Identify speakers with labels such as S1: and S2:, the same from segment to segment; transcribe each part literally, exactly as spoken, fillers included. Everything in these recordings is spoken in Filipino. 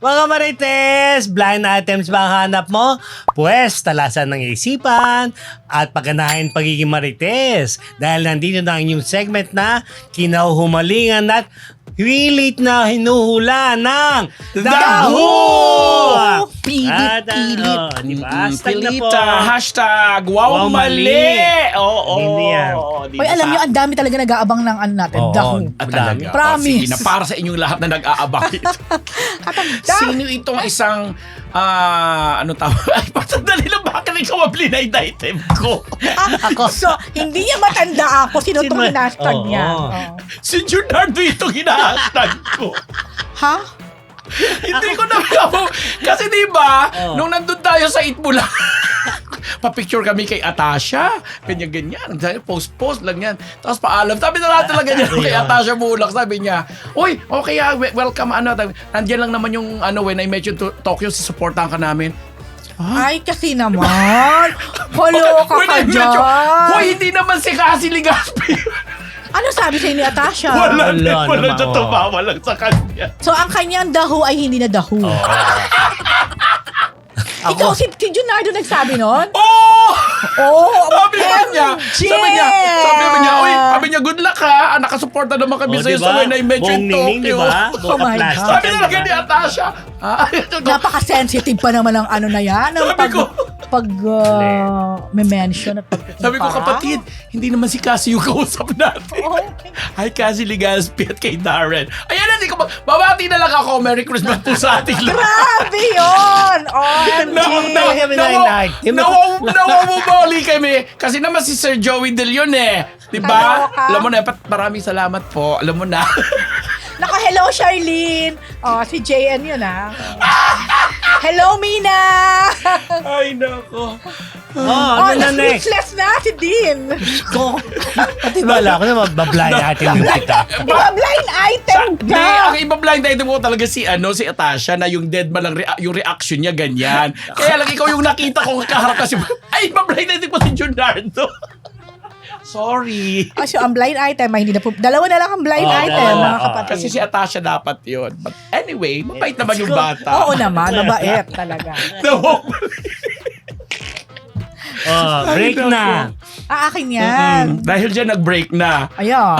S1: Mga Marites, blind items ba ang hanap mo? Pwes, talasan ng isipan at pagganahin pagiging Marites. Dahil nandito na ang inyong segment na kinahumalingan at hilit na hinuhula ng Daho!
S2: Pilit,
S1: At, ah,
S2: pilit.
S1: oh, di ba?
S2: Mm,
S1: Hashtag na po.
S2: Pilita, hashtag, wow,
S1: Wow,
S2: mali.
S1: mali.
S2: Oo.
S1: Hindi yan.
S2: Di
S3: Hoy,
S2: ba?
S3: alam nyo, ang dami talaga nag-aabang ng ano natin,
S1: Oo.
S3: Daho.
S2: Ah, talaga.
S3: Promise.
S2: Oh, sige na, para sa inyong lahat na nag-aabang ito. Sino itong isang, ah, ano tawag? Ay, patandali lang, bakit ikaw ang blind item ko?
S3: Ako. So, hindi niya matanda ako. Sino
S1: Sino
S3: itong
S1: ba?
S3: hinashtag
S1: Oo.
S3: niya? Oo.
S2: Si Junardo itong hinahashtag ko.
S3: Ha?
S2: Hindi ko na alam. Kasi di ba,
S1: Oh.
S2: nung nandun tayo sa Itbula, pa-picture kami kay Atasha. Ganyan-ganyan. Post-post lang yan. Tapos paalam. Sabi na lahat talaga niya kay Atasha Bulak. Sabi niya, uy, okay ah, we- welcome. Ano, nandiyan lang naman yung, ano, when I mentioned to Tokyo, supportahan ka namin.
S3: Ay, kasi naman. Holo ka
S2: When
S3: ka
S2: I mentioned,
S3: dyan.
S2: Hoy, hindi naman si Cassie Ligaspi.
S3: Ano sabi sa'yo ni Atasha?
S2: Wala,
S1: Wala
S2: wala
S1: naman,
S2: siya
S1: oh.
S2: tumawa lang sa kanya.
S3: So, ang kanyang Daho ay hindi na Daho.
S1: Oo.
S3: Ikaw, si, si Junardo nagsabi nun?
S2: Oh!
S3: Oh,
S2: Sabi
S3: M
S2: niya,
S3: J!
S2: sabi niya, sabi niya, uy, sabi niya, good luck ha, ah, nakasuporta naman kami
S1: Oh,
S2: sa'yo
S1: diba?
S2: sa when I mentioned
S1: Buong ningning,
S2: Tokyo.
S1: diba?
S3: Oh
S1: Buka
S3: my
S1: plastic
S3: God.
S2: Sabi
S1: yan,
S2: talaga
S1: diba?
S2: ni Atasha. Ah,
S3: Napaka-sensitive pa naman ng ano na yan. Ng
S2: Sabi
S3: pag,
S2: ko.
S3: pag uh, may mention at pag
S2: Sabi ko, kapatid, hindi naman si Cassie yung kausap natin.
S3: Oh,
S2: Hi, Cassie Ligaspi at kay Darren. Ayan, hindi ko, babati na lang ako. Merry Christmas po sa ating lahat.
S3: grabe yun! O M G!
S2: Naw- naw-
S1: Kami na
S2: naw-
S1: item.
S2: nawaw- Nawawabali kami. Kasi naman si Sir Joey De Leon eh. Diba?
S3: Kaloka.
S2: Alam mo na, pat- maraming salamat po. Alam mo na.
S3: Naka-hello, Charlene! O, si J N yun, ah. Hello, Mina!
S2: Ay, nako.
S1: Oh,
S3: Oh,
S1: ano na next?
S3: na-speechless na si Dean.
S1: Ko. Pati bala ko na mabablind natin yung kita.
S3: Mga blind item
S2: Hindi,
S3: ka!
S2: ang iba blind item mo talaga si ano si Atasha na yung dead man lang rea- yung reaction niya ganyan. Kaya lang ikaw yung nakita ko kaharap kasi ay iba blind item ko si Junardo. Sorry.
S3: Ah, so, ang blind item, ay hindi na po, dalawa na lang ang blind
S1: Oh,
S3: item,
S1: dalawa.
S3: mga
S1: Oh.
S3: kapatid.
S2: Kasi si Atasha dapat yun. But anyway, mabait naman yung bata.
S3: Oo naman, mabait talaga.
S2: No.
S1: Oh, break
S2: Ay,
S1: na.
S3: Ah, akin yan.
S2: Dahil dyan nag-break na.
S3: Ayan.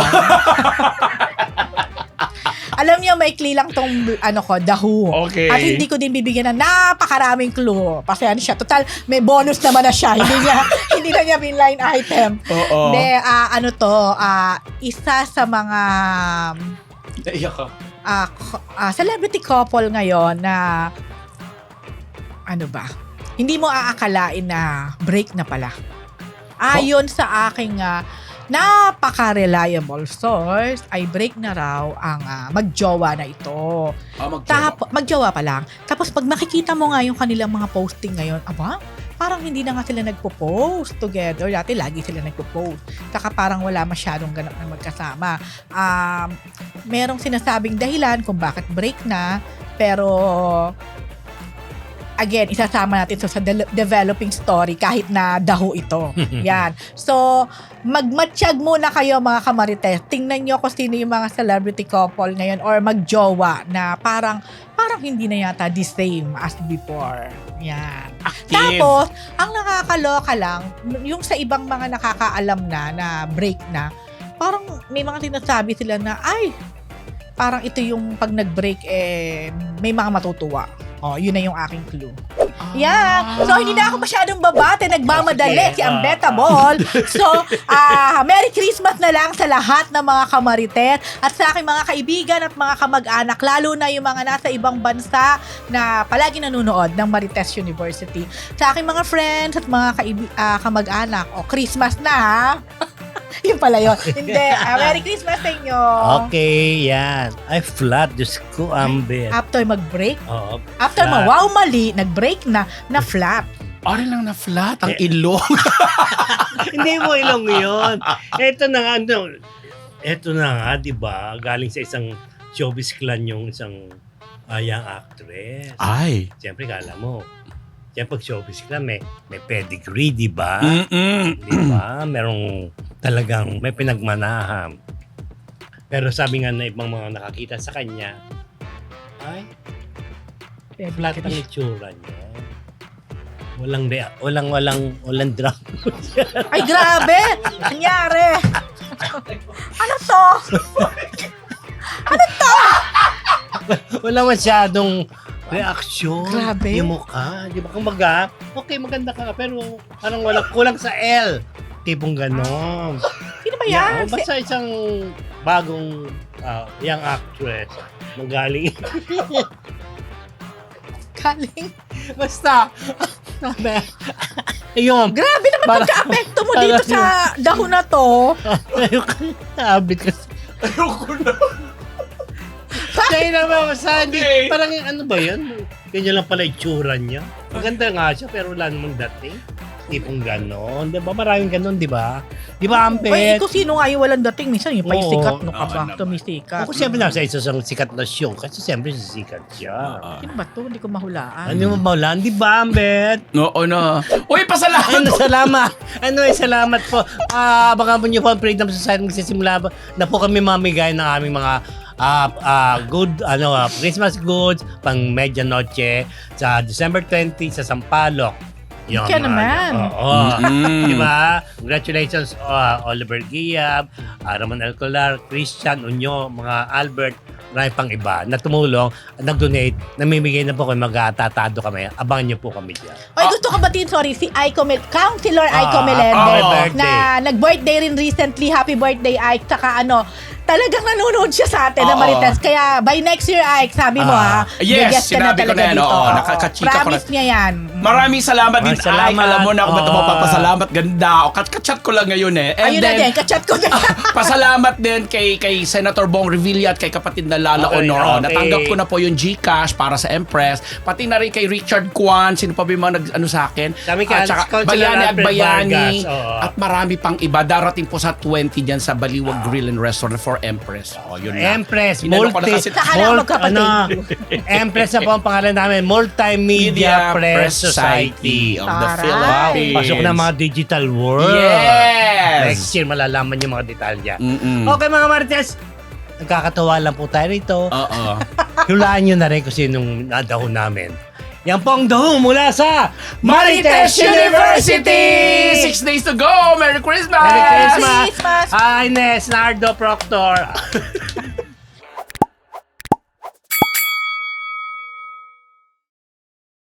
S3: Alam niyo, maikli lang tong ano ko, Daho.
S2: Okay.
S3: At hindi ko din bibigyan ng napakaraming clue. Pasensya siya. Total, may bonus naman na siya. Hindi niya, hindi na niya binline item.
S2: Oo.
S3: Hindi, ah, ano to, ah, isa sa mga
S2: Naiyak ka.
S3: ah, ko- ah, celebrity couple ngayon na ano ba? Hindi mo aakalain na break na pala. Ayon sa aking ah, napaka-reliable source, ay break na raw ang ah, magjowa na ito.
S2: Ah, magjowa.
S3: Tap, magjowa pa lang. Tapos pag makikita mo nga yung kanilang mga posting ngayon, aba, parang hindi na nga sila nagpo-post together. Dati lagi sila nagpo-post. Saka parang wala masyadong ganap na magkasama. Um, merong sinasabing dahilan kung bakit break na, pero again, isasama natin so sa de- developing story kahit na Daho ito. Yan. So, magmatsyag muna kayo mga kamarites. Tingnan nyo kung sino yung mga celebrity couple ngayon or magjowa na parang parang hindi na yata the same as before. Yan.
S2: Active.
S3: Tapos, ang nakakaloka lang, yung sa ibang mga nakakaalam na na break na, parang may mga sinasabi sila na, ay, parang ito yung pag nag-break, eh, may mga matutuwa. Oh, yun na yung aking clue. Yan. So, hindi na ako masyadong babate. Nagmamadali
S1: Sige.
S3: si Ambeta Ball. So, ah Merry Christmas na lang sa lahat ng mga kamarites at sa aking mga kaibigan at mga kamag-anak, lalo na yung mga nasa ibang bansa na palagi nanonood ng Marites University. Sa aking mga friends at mga kaibi- ah, kamag-anak, o Christmas na ha? Yun pala yun. Hindi. Ah, Merry Christmas sa inyo.
S1: Okay, yan. Ay, flat. Diyos ko, Amber.
S3: After mag-break,
S1: Oo.
S3: after
S1: Flat.
S3: ma-wow mali, nag-break na, na flat.
S2: Ari lang na flat ang
S1: Eh.
S2: ilong.
S1: Hindi mo ilong yun. Ito na nga, ano, ito na nga, di ba? Galing sa isang showbiz clan yung isang uh, young actress.
S2: Ay.
S1: Siyempre, kala mo, siyempre, pag showbiz clan, may, may pedigree, di ba?
S2: Mm-mm.
S1: Di ba? Merong talagang may pinagmanahan. Pero sabi nga na ibang mga nakakita sa kanya, ay, Flat ang itsura niya. Walang, rea- walang, walang, walang drama.
S3: Ay, grabe! Nangyari! Ano to? Ano to?
S1: Wala masyadong reaksyon.
S3: Grabe.
S1: Yung mukha. Di ba? Kung maga, okay, maganda ka. Pero parang walang kulang sa L. Tipong ganon.
S3: Sino ba
S1: Yeah,
S3: yan?
S1: basta isang bagong ah, young actress. Magaling.
S3: Galing.
S1: Basta. Ayun.
S3: Grabe naman
S1: Para-
S3: pagka-apekto mo
S1: para-
S3: dito sa dahon na to.
S1: Habit kasi.
S2: Ayoko na.
S1: Kaya naman, basta hindi.
S2: Okay.
S1: Parang ano ba yun? Ganyan lang pala itsura niya. Maganda nga siya, pero wala namang dating. Tipong ganon. Di ba? Maraming ganon, di ba? Di ba,
S3: Ay,
S1: Ampet?
S3: ikaw sino nga yung walang dating? Minsan yung pa yung
S1: Oo.
S3: sikat, no ka
S2: Oo
S3: ba?
S2: naman.
S3: Tumisikat.
S1: Ako siyempre na sa isa sa sikat na show. Kasi siyempre sikat siya.
S2: Ah.
S3: Sino ba to? Hindi ko mahulaan.
S1: Ano mo maulan? Di ba, Ampet?
S2: Oo na. Uy, pasalamat!
S1: Ano, salamat. Ano eh, salamat po. Ah, baka po niyo po ang Freedom Society magsisimula na po kami mamigay ng aming mga ah ah, good ano ah, Christmas goods pang medianoche sa December twentieth sa Sampaloc. Yun,
S3: Kaya
S1: mga-
S3: naman.
S1: Oo.
S2: Mm.
S1: Di ba? Congratulations ah, Oliver Giab, ah, Ramon Alcolar, Christian Unyo, mga Albert, marami pang iba na tumulong, nag-donate, namimigay na po kami, mag-atatado kami. Abangan niyo po kami dyan.
S3: Ay, gusto ko batiin, sorry, si Aiko Mel- Councilor Aiko
S1: Ah,
S3: Melendez
S1: happy
S2: Oh.
S1: birthday.
S3: na nag-birthday rin recently. Happy birthday, Ike. Tsaka ano, talagang nanonood siya sa atin na
S2: Oo.
S3: Marites. Kaya by next year, Ike, sabi mo
S1: Ah.
S3: ha,
S2: Yes,
S3: guest ka na
S2: sinabi ko
S3: talaga
S2: na yan,
S3: dito.
S2: oo,
S3: Oo.
S2: nakakachika ko
S3: Promise niya yan.
S2: Maraming salamat din.
S1: Maraming salamat.
S2: Ay, alam mo na ako ba't
S1: Oo.
S2: mapapasalamat. Ganda. O, kat kachat ko lang ngayon eh. And
S3: Ayun na
S2: then,
S3: din, kachat ko din.
S2: pasalamat din kay kay Senator Bong Revilla at kay kapatid na Lala
S1: Okay,
S2: Honor. Oh,
S1: okay.
S2: Natanggap ko na po yung GCash para sa Empress. Pati na rin kay Richard Kwan. Sino pa ba yung mga nag, ano sa akin?
S1: Kami kay
S2: At saka
S1: Councilor
S2: Bayani at
S1: Alfred
S2: Bayani.
S1: Vargas, oo.
S2: At marami pang iba. Darating po sa twenty dyan sa Baliwag Grill and Restaurant for Empress. Oh, yun na.
S1: Empress,
S2: Inano ko na
S1: multi,
S2: kasi-
S3: Saka na
S1: mul-
S3: magkapatid.
S1: ano, Empress na po ang pangalan namin, Multimedia Press Society.
S2: of the
S3: Taray.
S2: Philippines.
S1: Pasok na mga digital world.
S2: Yes!
S1: Next year, malalaman yung mga detalya.
S2: Mm-mm.
S1: Okay mga Marites, nagkakatawa lang po tayo rito.
S2: Oo.
S1: Hulaan nyo na rin kung sinong nadahon namin. Yan po ang daho mula sa
S2: Marites University! Six days to go! Merry Christmas!
S1: Merry Christmas!
S3: Christmas!
S1: Hi, Ines, Nardo, Proctor.